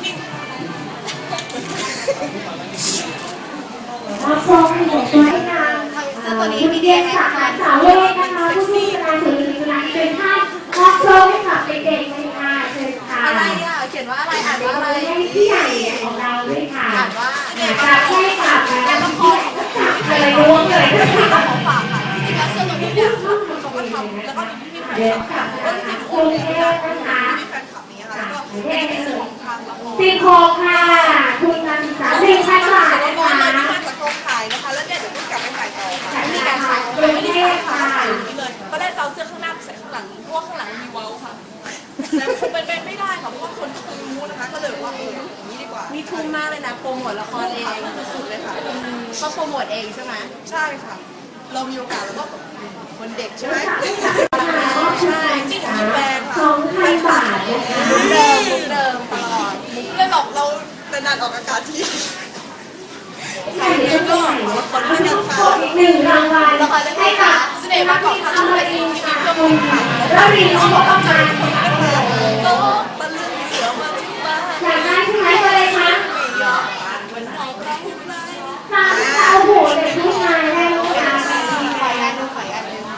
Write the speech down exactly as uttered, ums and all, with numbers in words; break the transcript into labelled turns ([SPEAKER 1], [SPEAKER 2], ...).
[SPEAKER 1] รับชมหนูตัวให้นางตัวนี้มีเดียสาขาสาวเวทนะคะผู้ที่กำลังถือศิลป์เป็นท่านรับชมให้กับเด็กๆในงานเชิญค่ะ
[SPEAKER 2] อะไรอ่ะเขียนว่าอะไรอ่านว่าอะไร
[SPEAKER 1] ที่ใหญ่ของเราด้วยค่ะ
[SPEAKER 2] อ่านว่าเนี่ย
[SPEAKER 1] จะให้กับการละครอะไรรวมเลย
[SPEAKER 2] ของฝากค่ะจริงๆแล้วเสื้อตัวนี้เนี่ยเขาก็ทำแล้วก็มีแฟนคลับก็จริงๆโอนเองนะคะมีแฟนคลับนี้ค่ะแล้วก็ในส่วนของทางละคร
[SPEAKER 1] สิบหกค่ะทุนการศึกษาหนึ่งพันบาทนะคะ
[SPEAKER 2] มาจากกองถ่ายนะคะแล้วเนี่ยเดี๋ยวต้องกลับไปถ่ายต่อค่ะมีการถ่ายไม่ได้ใส่ค่ะใส่อย่างนี้เลยก็ได้จะเอาเสื้อข้างหน้าใส่ข้างหลังเพราะว่าข้างหลังมีเว้าค่ะแต่คงเป็นไปไม่ได้ค่ะเพราะว่าคนก็คงรู้นะคะก็เลยว่าเอออย่างนี้ดีกว่า
[SPEAKER 3] นี่ทุ่มมากเลยนะโปรโมทละครเอง
[SPEAKER 2] สุดเลยค่ะ
[SPEAKER 3] ก็โปรโมทเองใช่ไหม
[SPEAKER 2] ใช่ค่ะเรามีโอกาสแล้วก็คนเด็กใช่ไหม
[SPEAKER 3] ใช่
[SPEAKER 2] จริงๆแฟนค่ะ
[SPEAKER 1] สองพันบาท
[SPEAKER 3] มุกเดิมมุกเดิมตลอด
[SPEAKER 2] มุกเลยหรอกเราเป็นนานออกอากาศที่
[SPEAKER 1] ใช่แล้วก็คนที่จะขอหนึ่งรางวัลให้กับ
[SPEAKER 2] เสน่ห์มากกว่าทำอะไรสิ่งที่มีเพื่อคนค่ะ
[SPEAKER 1] แล้วรีนบอก